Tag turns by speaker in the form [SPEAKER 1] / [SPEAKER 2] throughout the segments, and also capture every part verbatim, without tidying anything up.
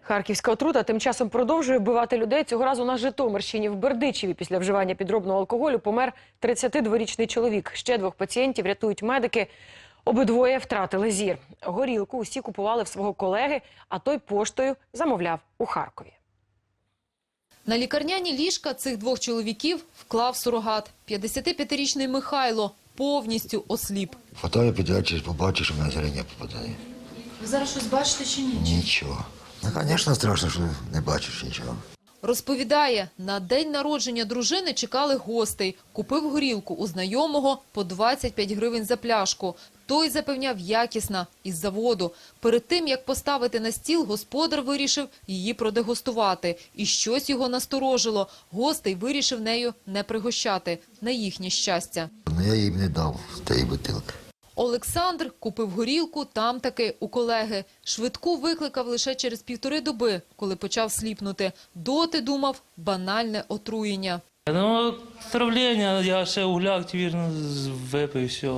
[SPEAKER 1] Харківська отрута тим часом продовжує вбивати людей. Цього разу на Житомирщині в Бердичеві після вживання підробного алкоголю помер тридцятидворічний чоловік. Ще двох пацієнтів рятують медики. Обидвоє втратили зір. Горілку усі купували в свого колеги, а той поштою замовляв у Харкові.
[SPEAKER 2] На лікарняні ліжка цих двох чоловіків вклав сурогат. п'ятдесятип'ятирічний Михайло повністю осліп.
[SPEAKER 3] Фотою підрядчик, побачиш, що в мене зрення попадає.
[SPEAKER 2] Ви зараз щось бачите чи ні?
[SPEAKER 3] Нічого. Ну, звісно, страшно, що не бачиш нічого.
[SPEAKER 2] Розповідає, на день народження дружини чекали гостей. Купив горілку у знайомого по двадцять п'ять гривень за пляшку. Той запевняв, якісна, із заводу. Перед тим, як поставити на стіл, господар вирішив її продегустувати. І щось його насторожило. Гостей вирішив нею не пригощати. На їхнє щастя.
[SPEAKER 3] Ну, я їм не дав тієї бутилки.
[SPEAKER 2] Олександр купив горілку там таки у колеги. Швидку викликав лише через півтори доби, коли почав сліпнути. Доти думав – банальне отруєння.
[SPEAKER 4] Ну, отравлення, я ще угляк, вірно, випив, все.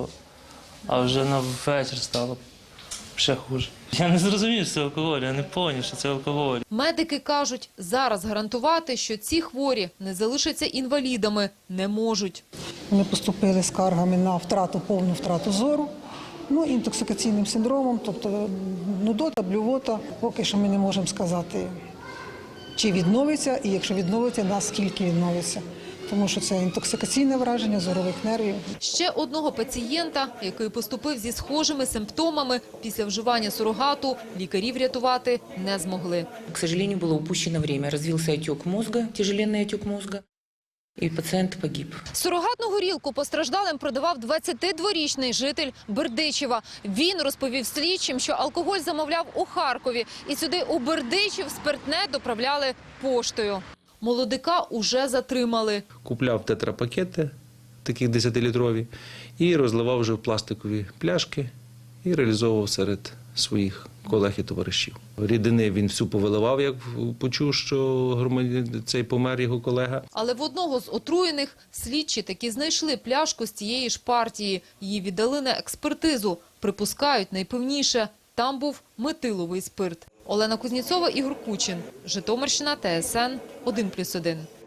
[SPEAKER 4] А вже на вечір стало ще хуже. Я не зрозумів, що це алкоголь, я не зрозумів, що це алкоголь.
[SPEAKER 2] Медики кажуть, зараз гарантувати, що ці хворі не залишаться інвалідами, не можуть.
[SPEAKER 5] Вони поступили скаргами на втрату, повну втрату зору, ну, інтоксикаційним синдромом, тобто нудота, блювота. Поки що ми не можемо сказати, чи відновиться, і якщо відновиться, наскільки відновиться. Тому що це інтоксикаційне враження зорових нервів.
[SPEAKER 2] Ще одного пацієнта, який поступив зі схожими симптомами, після вживання сурогату лікарі врятувати не змогли.
[SPEAKER 6] К сожалению, было упущено время. Развился отек мозга, тяжеленный отек мозга, и пациент погиб.
[SPEAKER 2] Сурогатну горілку постраждалим продавав двадцятидворічний житель Бердичева. Він розповів слідчим, що алкоголь замовляв у Харкові. І сюди у Бердичів спиртне доправляли поштою. Молодика уже затримали.
[SPEAKER 7] Купляв тетрапакети, такі десятилітрові, і розливав вже в пластикові пляшки і реалізовував серед своїх колег і товаришів. Рідини він всю повиливав, як почув, що цей помер його колега.
[SPEAKER 2] Але в одного з отруєних слідчі таки знайшли пляшку з цієї ж партії. Її віддали на експертизу. Припускають, найпевніше, там був метиловий спирт. Олена Кузнєцова, Ігор Кучин. Житомирщина, Т С Н, один плюс один.